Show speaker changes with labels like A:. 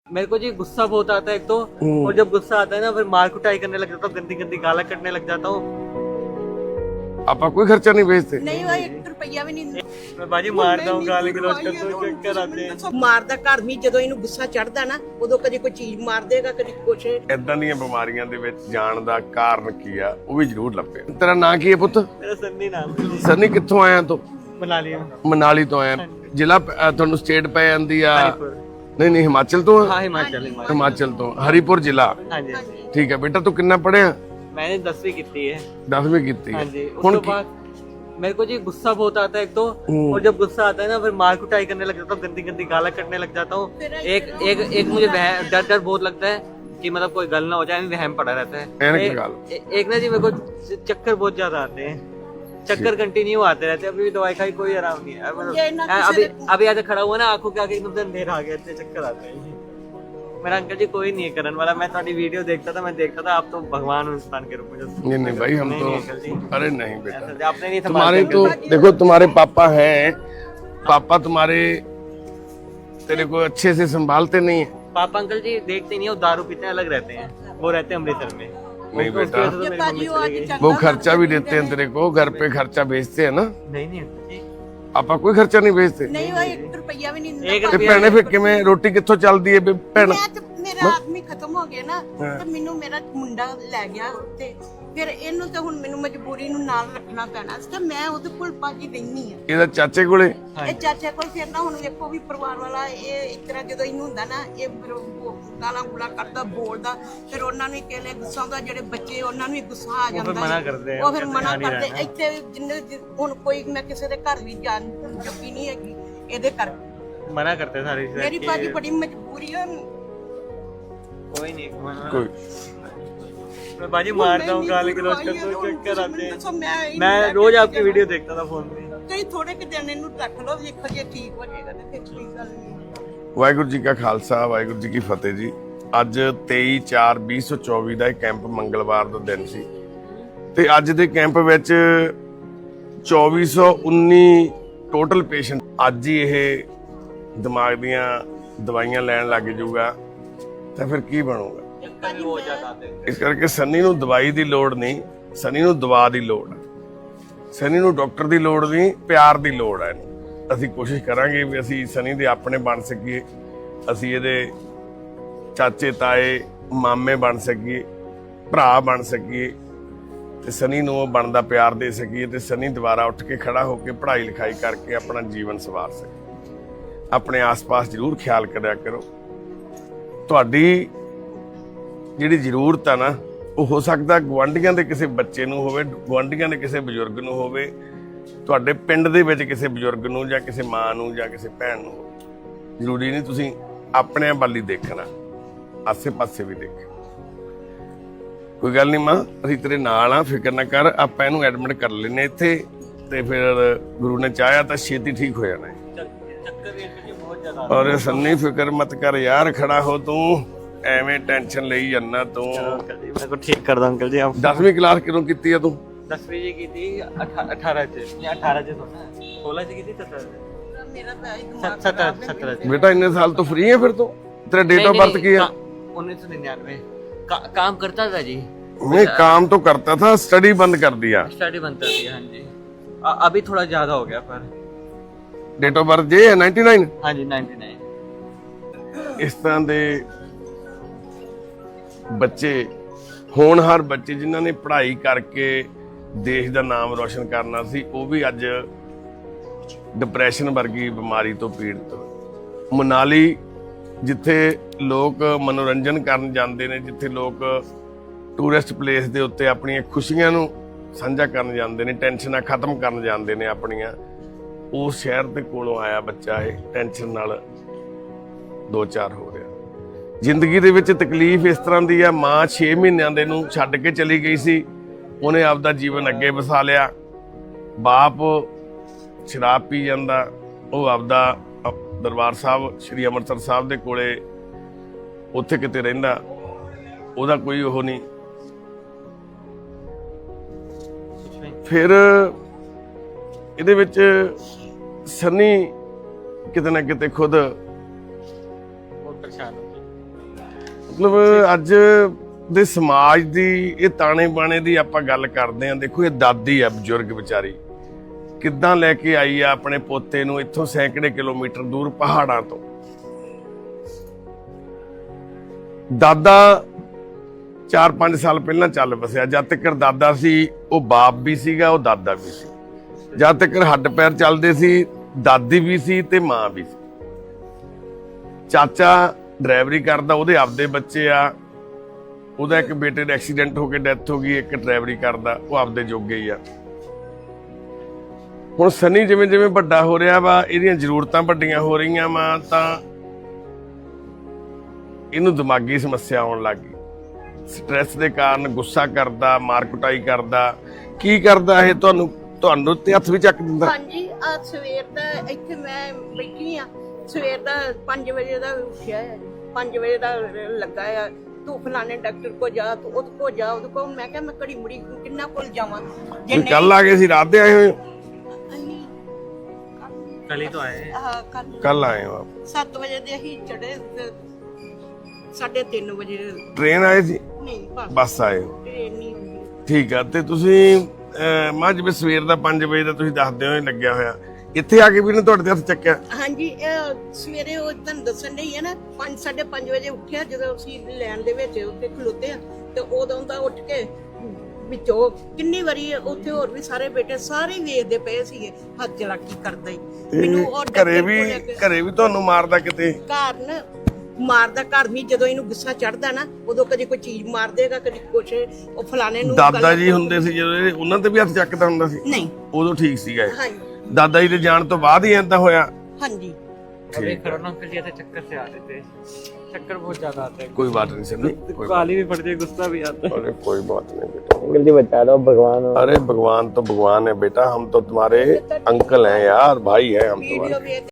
A: मेरे को जी गुस्सा बहुत आता है एक तो, और जब गुस्सा आता है ना फिर मार कुटाई करने लग जाता हूँ, गंदी गंदी गाला कटने लग जाता हूँ।
B: ਆਪਾਂ ਕੋਈ ਖਰਚਾ ਨਹੀਂ ਵੇਚਦੇ।
C: नहीं भाई 1 रुपया भी नहीं
A: मैं बाजी मारता हूँ, गाली गलौज करता हूँ, चक्कर आते हैं।
C: ਮਾਰਦਾ ਘਰ ਨਹੀਂ ਜਦੋਂ ਇਹਨੂੰ ਗੁੱਸਾ ਚੜਦਾ ਨਾ ਉਦੋਂ ਕਦੇ ਕੋਈ ਚੀਜ਼ ਮਾਰ ਦੇਗਾ ਕਦੇ ਕੁਛ।
B: ਇਦਾਂ ਦੀਆਂ ਬਿਮਾਰੀਆਂ ਦੇ ਵਿੱਚ ਜਾਣ ਦਾ ਕਾਰਨ ਕੀ ਆ ਉਹ ਵੀ ਜ਼ਰੂਰ ਲੱਭੇ। ਤੇਰਾ ਨਾਂ ਕੀ ਹੈ ਪੁੱਤ?
A: मेरा सन्नी नाम है।
B: ਸਨੀ ਕਿੱਥੋਂ ਆਇਆ ਤੂੰ?
A: बना लिया
B: ਮਨਾਲੀ ਤੋਂ ਆਇਆ। ਜ਼ਿਲ੍ਹਾ ਤੁਹਾਨੂੰ ਸਟੇਟ ਪੈ ਜਾਂਦੀ ਆ?
A: हरिपुर।
B: ਨਹੀਂ ਨਹੀਂ ਹਿਮਾਚਲ ਤੋਂ ਆ?
A: हाँ हिमाचल हिमाचल।
B: ਹਿਮਾਚਲ ਤੋਂ ਹਰੀਪੁਰ ਜ਼ਿਲ੍ਹਾ।
A: हाँ जी हाँ जी।
B: ਠੀਕ ਹੈ ਬੇਟਾ, ਤੂੰ ਕਿੰਨਾ ਪੜਿਆ?
A: मैंने 10वीं की है।
B: 10ਵੀਂ ਕੀਤੀ
A: हाँ
B: ਹੈ।
A: जी।
B: ਹੁਣ
A: उसके बाद मेरे को जी गुस्सा बहुत आता है एक तो, और जब गुस्सा आता है ना फिर मार कुटाई करने लग जाता हूँ, गंदी गंदी गाला कटने लग जाता हूँ। एक मुझे डर बहुत लगता है कि मतलब कोई गल ना हो जाए, वहम पड़ा रहता है। एक ना जी मेरे को चक्कर बहुत ज्यादा आते हैं, चक्कर कंटिन्यू आते रहते हैं। अभी भी दवाई खाई कोई आराम नहीं है। मतलब अभी आज खड़ा हुआ ना, आंखों के आगे एकदम से अंधेरा आ गया, इतने चक्कर आते हैं। मेरा अंकल जी कोई नहीं है करने वाला। मैं तुम्हारी वीडियो देखता था, मैं देखता था आप तो भगवान हो इंसान के रूप में।
B: नहीं नहीं भाई, हम तो
A: अंकल जी
B: अरे नहीं बेटा,
A: आपने नहीं
B: तुम्हारे
A: संभाला
B: तो देखो तुम्हारे पापा हैं, पापा तुम्हारे तेरे को अच्छे से संभालते नहीं है।
A: पापा अंकल जी देखते नहीं है, वो दारू पीते हैं, अलग रहते हैं। वो रहते हैं अमृतसर में।
B: नहीं
A: उसकी
B: बेटा,
A: वजह से तो मेरी मम्मी चली गई।
B: वो खर्चा भी देते हैं तेरे को, घर पे खर्चा भेजते हैं ना?
A: नहीं नहीं अंकल जी,
B: ਆਪਾਂ ਕੋਈ ਖਰਚਾ ਨਹੀਂ ਵੇਚਦੇ।
C: ਨਹੀਂ ਭਾਈ 1 ਰੁਪਇਆ ਵੀ ਨਹੀਂ
A: एक
B: ਤੇ
A: रुपया
B: ਭੈਣੇ ਫਿਰ ਕਿਵੇਂ ਰੋਟੀ ਕਿੱਥੋਂ ਚੱਲਦੀ ਹੈ ਭੈਣ?
C: ਮੈਂ ਤੇ ਮੇਰਾ ਆਦਮੀ ਖਤਮ ਹੋ ਗਿਆ ਨਾ ਤੇ ਮੈਨੂੰ ਮੇਰਾ ਮੁੰਡਾ ਲੈ ਗਿਆ ਉੱਤੇ, ਫਿਰ ਇਹਨੂੰ ਤਾਂ ਹੁਣ ਮੈਨੂੰ ਮਜਬੂਰੀ ਨੂੰ ਨਾਲ ਰੱਖਣਾ ਪੈਣਾ ਸੀ ਤੇ ਮੈਂ ਉਹਦੇ ਕੋਲ ਬਾਜੀ ਰਹਿਣੀ ਆ।
B: ਇਹਦਾ ਚਾਚੇ ਕੋਲੇ?
C: ਇਹ ਚਾਚਾ ਕੋਲ ਫਿਰ ਨਾ ਹੁਣ ਵੇਖੋ ਵੀ ਪਰਿਵਾਰ ਵਾਲਾ ਇਹ ਇਸ ਤਰ੍ਹਾਂ ਜਦੋਂ ਇਹਨੂੰ ਹੁੰਦਾ ਨਾ ਇਹ ਫਿਰ ਗਾਲਾਂ ਗੁਲਾ ਕੱਢਦਾ ਬੋਲਦਾ, ਫਿਰ ਉਹਨਾਂ ਨੂੰ ਕਹਿੰਦੇ ਗੁੱਸਾ ਹੁੰਦਾ, ਜਿਹੜੇ ਬੱਚੇ ਉਹਨਾਂ ਨੂੰ ਵੀ ਗੁੱਸਾ ਆ ਜਾਂਦਾ
A: मना करते हैं।
C: ਉਹ ਫਿਰ ਮਨਾ ਕਰਦੇ। ਇੱਥੇ ਜਿੰਨੇ ਹੁਣ ਕੋਈ ਮੈਂ ਕਿਸੇ ਦੇ ਘਰ ਵੀ ਜਾਣ ਜੋਗੀ ਨਹੀਂ ਹੈਗੀ ਇਹਦੇ ਕਰਕੇ,
A: मना करते हैं सारी चीजें
C: ਮੇਰੀ
A: कि
C: ਬਾਜੀ ਬੜੀ मजबूरी है।
A: कोई नहीं
B: ਕੋਈ
A: मैं बाजी मारता हूँ, गाली गलौज करता हूँ, चक्कर आते हैं।
C: मैं
A: मैं रोज आपकी वीडियो देखता था फोन में।
C: ਕਈ ਥੋੜੇ ਕਿ ਦਿਨ ਇਹਨੂੰ ਰੱਖ ਲਓ, ਵੇਖੋ ਜੇ ਠੀਕ ਹੋ ਜਾਏਗਾ ਤੇ ਫਿਰ ਕੋਈ ਗੱਲ ਨਹੀਂ।
B: ਵਾਹਿਗੁਰੂ ਜੀ ਕਾ ਖਾਲਸਾ, ਵਾਹਿਗੁਰੂ ਜੀ ਕੀ ਫਤਿਹ ਜੀ। ਅੱਜ 23/4/2024 ਦਾ ਇਹ ਕੈਂਪ ਮੰਗਲਵਾਰ ਦਾ ਦਿਨ ਸੀ ਤੇ ਅੱਜ ਦੇ ਕੈਂਪ ਵਿੱਚ 2419 ਟੋਟਲ ਪੇਸ਼ੈਂਟ। ਅੱਜ ਹੀ ਇਹ ਦਿਮਾਗ ਦੀਆਂ ਦਵਾਈਆਂ ਲੈਣ ਲੱਗ ਜਾਊਗਾ ਤਾਂ ਫਿਰ ਕੀ ਬਣੂਗਾ?
A: चक्कर भी बहुत ज्यादा आते हैं।
B: ਇਸ ਕਰਕੇ ਸਨੀ ਨੂੰ ਦਵਾਈ ਦੀ ਲੋੜ ਨਹੀਂ, ਸਨੀ ਨੂੰ ਦਵਾ ਦੀ ਲੋੜ ਹੈ। ਸਨੀ ਨੂੰ ਡਾਕਟਰ ਦੀ ਲੋੜ ਨਹੀਂ, ਪਿਆਰ ਦੀ ਲੋੜ ਹੈ। ਅਸੀਂ ਕੋਸ਼ਿਸ਼ ਕਰਾਂਗੇ ਵੀ ਅਸੀਂ ਸਨੀ ਦੇ ਆਪਣੇ ਬਣ ਸਕੀਏ, ਅਸੀਂ ਇਹਦੇ ਚਾਚੇ ਤਾਏ ਮਾਮੇ ਬਣ ਸਕੀਏ, ਭਰਾ ਬਣ ਸਕੀਏ ਤੇ ਸਨੀ ਨੂੰ ਉਹ ਬਣਦਾ ਪਿਆਰ ਦੇ ਸਕੀਏ ਤੇ ਸਨੀ ਦੁਬਾਰਾ ਉੱਠ ਕੇ ਖੜਾ ਹੋ ਕੇ ਪੜ੍ਹਾਈ ਲਿਖਾਈ ਕਰਕੇ ਆਪਣਾ ਜੀਵਨ ਸਵਾਰ ਸਕੇ। ਆਪਣੇ ਆਸ-ਪਾਸ ਜ਼ਰੂਰ ਖਿਆਲ ਕਰਿਆ ਕਰੋ। ਤੁਹਾਡੀ ਜਿਹੜੀ ਜ਼ਰੂਰਤ ਆ ਨਾ, ਉਹ ਹੋ ਸਕਦਾ ਗੁਆਂਢੀਆਂ ਦੇ ਕਿਸੇ ਬੱਚੇ ਨੂੰ ਹੋਵੇ, ਗੁਆਂਢੀਆਂ ਦੇ ਕਿਸੇ ਬਜ਼ੁਰਗ ਨੂੰ ਹੋਵੇ, ਤੁਹਾਡੇ ਪਿੰਡ ਦੇ ਵਿੱਚ ਕਿਸੇ ਬਜ਼ੁਰਗ ਨੂੰ ਜਾਂ ਕਿਸੇ ਮਾਂ ਨੂੰ ਜਾਂ ਕਿਸੇ ਭੈਣ ਨੂੰ ਹੋਵੇ। ਜ਼ਰੂਰੀ ਨਹੀਂ ਤੁਸੀਂ ਆਪਣੇ ਵੱਲ ਹੀ ਦੇਖਣਾ, ਆਸੇ-ਪਾਸੇ ਵੀ ਦੇਖੋ। ਕੋਈ ਗੱਲ ਨਹੀਂ ਮਾਂ, ਅਸੀਂ ਤੇਰੇ ਨਾਲ ਆ, ਫਿਕਰ ਨਾ ਕਰ। ਆਪਾਂ ਇਹਨੂੰ ਐਡਮਿਟ ਕਰ ਲੈਨੇ ਇੱਥੇ ਤੇ ਫਿਰ ਗੁਰੂ ਨੇ ਚਾਹਿਆ ਤਾਂ ਛੇਤੀ ਠੀਕ ਹੋ ਜਾਣਾ ਹੈ।
A: चक्कर भी अंकल जी बहुत ज्यादा
B: ਔਰ ਸੰਨੀ ਫਿਕਰ ਮਤ ਕਰ ਯਾਰ, ਖੜਾ ਹੋ ਤੂੰ, ਐਵੇਂ ਟੈਨਸ਼ਨ ਲਈ ਜਾਂਦਾ ਤੂੰ।
A: अंकल जी मेरे को ठीक कर दो अंकल जी आप।
B: 10ਵੀਂ ਕਲਾਸ ਕਿਦੋਂ ਕੀਤੀ ਆ ਤੂੰ?
A: 10वीं जी की थी, 18 से या 18 से सोना 16 से की थी, 17 से
C: ਮੇਰਾ ਤਾਂ ਇਹ ਦਿਮਾਗ
A: 17 से।
B: ਬੇਟਾ ਇੰਨੇ ਸਾਲ ਤੋਂ ਫ੍ਰੀ ਹੈ ਫਿਰ ਤੂੰ? ਤੇਰਾ ਡੇਟ ਆਫ ਬਰਥ ਕੀ ਹੈ?
A: 1999। काम करता था जी,
B: नहीं, काम तो करता था, स्टडी बंद कर दिया।
A: स्टडी बंद कर दिया। हाँ जी अभी थोड़ा ज्यादा हो गया पर।
B: डेट ऑफ बर्थ ये है 99।
A: हाँ जी 99।
B: इस तरह ਦੇ ਬੱਚੇ, ਹੋਣਹਾਰ ਬੱਚੇ ਜਿਨ੍ਹਾਂ ਨੇ ਪੜ੍ਹਾਈ ਕਰਕੇ ਦੇਸ਼ ਦਾ ਨਾਮ ਰੋਸ਼ਨ ਕਰਨਾ ਸੀ, ਉਹ ਵੀ ਅੱਜ ਡਿਪਰੈਸ਼ਨ ਵਰਗੀ ਬਿਮਾਰੀ ਤੋਂ ਪੀੜਤ ਹੋਏ। ਮਨਾਲੀ ਜਿੱਥੇ ਲੋਕ ਮਨੋਰੰਜਨ ਕਰਨ ਜਾਂਦੇ ਨੇ, ਜਿੱਥੇ ਲੋਕ ਟੂਰਿਸਟ ਪਲੇਸ ਦੇ ਉੱਤੇ ਆਪਣੀਆਂ ਖੁਸ਼ੀਆਂ ਨੂੰ ਸਾਂਝਾ ਕਰਨ ਜਾਂਦੇ ਨੇ, ਟੈਨਸ਼ਨਾਂ ਖਤਮ ਕਰਨ ਜਾਂਦੇ ਨੇ ਆਪਣੀਆਂ, ਉਸ ਸ਼ਹਿਰ ਦੇ ਕੋਲੋਂ ਆਇਆ ਬੱਚਾ ਇਹ ਟੈਨਸ਼ਨ ਨਾਲ 2-4 ਹੋ ਰਿਹਾ। ਜ਼ਿੰਦਗੀ ਦੇ ਵਿੱਚ ਤਕਲੀਫ ਇਸ ਤਰ੍ਹਾਂ ਦੀ ਆ, ਮਾਂ 6 ਮਹੀਨਿਆਂ ਦੇ ਨੂੰ ਛੱਡ ਕੇ ਚਲੀ ਗਈ ਸੀ, ਉਹਨੇ ਆਪਦਾ ਜੀਵਨ ਅੱਗੇ ਵਸਾ ਲਿਆ। ਬਾਪ ਸ਼ਰਾਬ ਪੀ ਜਾਂਦਾ, ਉਹ ਆਪਦਾ ਦਰਬਾਰ ਸਾਹਿਬ ਸ੍ਰੀ ਅੰਮ੍ਰਿਤਸਰ ਸਾਹਿਬ ਦੇ ਕੋਲੇ ਉੱਥੇ ਕਿਤੇ ਰਹਿੰਦਾ, ਉਹਦਾ ਕੋਈ ਉਹ ਨਹੀਂ। ਫਿਰ ਇਹਦੇ ਵਿੱਚ ਸਨੀ ਕਿਤੇ ਨਾ ਕਿਤੇ ਖੁਦ
A: बहुत परेशान हो गए।
B: ਮਤਲਬ ਅੱਜ ਦੇ ਸਮਾਜ ਦੀ ਇਹ ਤਾਣੇ ਬਾਣੇ ਦੀ ਆਪਾਂ ਗੱਲ ਕਰਦੇ ਆਂ। ਦੇਖੋ ਇਹ ਦਾਦੀ ਆ ਬਜ਼ੁਰਗ ਵਿਚਾਰੀ, ਕਿੱਦਾਂ ਲੈ ਕੇ ਆਈ ਆ ਆਪਣੇ ਪੋਤੇ ਨੂੰ ਇੱਥੋਂ ਸੈਂਕੜੇ ਕਿਲੋਮੀਟਰ ਦੂਰ ਪਹਾੜਾਂ ਤੋਂ। ਦਾਦਾ 4-5 ਸਾਲ ਪਹਿਲਾਂ ਚੱਲ ਵਸਿਆ। ਜਦ ਤੱਕ ਦਾਦਾ ਸੀ ਉਹ ਬਾਪ ਵੀ ਸੀਗਾ, ਉਹ ਦਾਦਾ ਵੀ ਸੀ। ਜਦ ਤੱਕ ਹੱਡ ਪੈਰ ਚੱਲਦੇ ਸੀ ਦਾਦੀ ਵੀ ਸੀ ਤੇ ਮਾਂ ਵੀ ਸੀ। ਚਾਚਾ ਡਰਾਈਵਰੀ ਕਰਦਾ, ਉਹਦੇ ਆਪਦੇ ਬੱਚੇ ਆ। ਉਹਦਾ ਇੱਕ ਬੇਟੇ ਦਾ ਐਕਸੀਡੈਂਟ ਹੋ ਕੇ ਡੈਥ ਹੋ ਗਈ, ਇੱਕ ਡਰਾਈਵਰੀ ਕਰਦਾ, ਉਹ ਆਪਦੇ ਜੋਗੇ ਹੀ ਆ। ਹੁਣ ਸਨੀ ਜਿਵੇਂ ਜਿਵੇਂ ਵੱਡਾ ਹੋ ਰਿਹਾ ਵਾ, ਇਹਦੀਆਂ ਜ਼ਰੂਰਤਾਂ ਵੱਡੀਆਂ ਹੋ ਰਹੀਆਂ ਵਾ, ਤਾਂ ਇਹਨੂੰ ਦਿਮਾਗੀ ਸਮੱਸਿਆ ਆਉਣ ਲੱਗ ਗਈ। ਸਟ੍ਰੈਸ ਦੇ ਕਾਰਨ ਗੁੱਸਾ ਕਰਦਾ, ਮਾਰ ਕੁਟਾਈ ਕਰਦਾ। ਕੀ ਕਰਦਾ ਇਹ? ਤੁਹਾਨੂੰ ਤੇ ਹੱਥ ਵੀ ਚੱਕ ਦਿੰਦਾ?
C: ਹਾਂਜੀ, ਆ ਸਵੇਰ ਦਾ ਇੱਥੇ ਮੈਂ ਬੈਠੀ ਆ, ਸਵੇਰ ਦਾ 5 ਵਜੇ ਦਾ ਉੱਠਿਆ ਹੈ, 5 ਵਜੇ ਦਾ ਲੱਗਾ ਆ। ਤੂੰ ਫਲਾਣੇ ਡਾਕਟਰ ਕੋ ਜਾ, ਤੂੰ ਉਹਦੇ ਕੋ ਜਾ, ਉਹਦੇ ਕੋ। ਮੈਂ ਕਿਹਾ ਮੈਂ ਘੜੀ ਮੁੜੀ ਕਿੰਨਾ ਕੋਲ ਜਾਵਾਂ? ਜੇ
B: ਤੁਸੀਂ ਕੱਲ ਆ ਗਏ ਸੀ? ਰਾਤ ਦੇ ਆਏ ਹੋਏ?
A: कल ही तो आए हैं।
B: ਕੱਲ ਆਏ ਹੋ ਆਪ?
C: 7 ਵਜੇ ਦੇ ਅਸੀਂ ਚੜੇ, 3:30 ਵਜੇ
B: ਟ੍ਰੇਨ ਆਏ ਸੀ?
C: ਨਹੀਂ,
B: ਬੱਸ ਆਏ ਹੋ?
C: ਟ੍ਰੇਨ ਨਹੀਂ ਹੁੰਦੀ।
B: ਠੀਕ ਆ। ਤੇ ਤੁਸੀਂ ਮਾਂ ਜਿਵੇਂ ਸਵੇਰ ਦਾ 5 ਵਜੇ ਦਾ ਤੁਸੀਂ ਦੱਸਦੇ ਹੋ ਲੱਗਿਆ ਹੋਇਆ, ਇੱਥੇ ਆ ਕੇ ਵੀ ਨੇ ਤੁਹਾਡੇ ਤੇ ਹੱਥ ਚੱਕਿਆ?
C: ਹਾਂਜੀ, ਇਹ ਸਵੇਰੇ ਉਹ ਤੁਹਾਨੂੰ ਦੱਸਣ ਨਹੀਂ ਹੈ ਨਾ, 5-5:30 ਵਜੇ ਉੱਠਿਆ ਜਦੋਂ ਅਸੀਂ ਲੈਣ ਦੇ ਵਿੱਚ ਉੱਥੇ ਖਲੋਤੇ ਆ, ਤੇ ਉਦੋਂ ਦਾ ਉੱਠ ਕੇ ਵਿੱਚੋਂ ਕਿੰਨੀ ਵਾਰੀ ਉੱਥੇ ਹੋਰ ਵੀ ਸਾਰੇ ਬੇਟੇ ਸਾਰੇ ਵੇਖਦੇ ਪਏ ਸੀਗੇ, ਹੱਥ ਚਲਾਕੀ ਕਰਦਾ ਹੀ ਮੈਨੂੰ। ਔਰ
B: ਘਰੇ ਵੀ ਤੁਹਾਨੂੰ ਮਾਰਦਾ ਕਿਤੇ?
C: ਕਾਰਨ ਮਾਰਦਾ ਘਰ ਵੀ, ਜਦੋਂ ਇਹਨੂੰ ਗੁੱਸਾ ਚੜਦਾ ਨਾ ਉਦੋਂ ਕਦੇ ਕੋਈ ਚੀਜ਼ ਮਾਰ ਦੇਗਾ, ਕਦੇ ਕੁਛ। ਉਹ ਫਲਾਣੇ ਨੂੰ
B: ਦਾਦਾ ਜੀ ਹੁੰਦੇ ਸੀ ਜਦੋਂ ਉਹਨਾਂ ਤੇ ਵੀ ਹੱਥ ਚੱਕਦਾ ਹੁੰਦਾ ਸੀ?
C: ਨਹੀਂ,
B: ਉਦੋਂ ਠੀਕ ਸੀਗਾ ਇਹ?
C: ਹਾਂਜੀ
B: ਦਾਦਾ ਜੀ ਦੇ ਜਾਣ ਤੋਂ ਬਾਅਦ ਹੀ ਏਦਾਂ ਹੋਇਆ?
C: ਹਾਂਜੀ।
A: अभी कोरोना अंकल जी ऐसे चक्कर से आते थे, चक्कर बहुत ज्यादा आते हैं।
B: कोई बात नहीं सर, कोई
A: गाली भी पड़ती है, गुस्सा भी आता है।
B: अरे कोई बात नहीं बेटा,
A: अंकल जी बता दो, भगवान हो।
B: अरे भगवान तो भगवान है बेटा, हम तो तुम्हारे अंकल हैं यार, भाई हैं हम तुम्हारे।
C: ਵੀਡੀਓ ਵੇਖ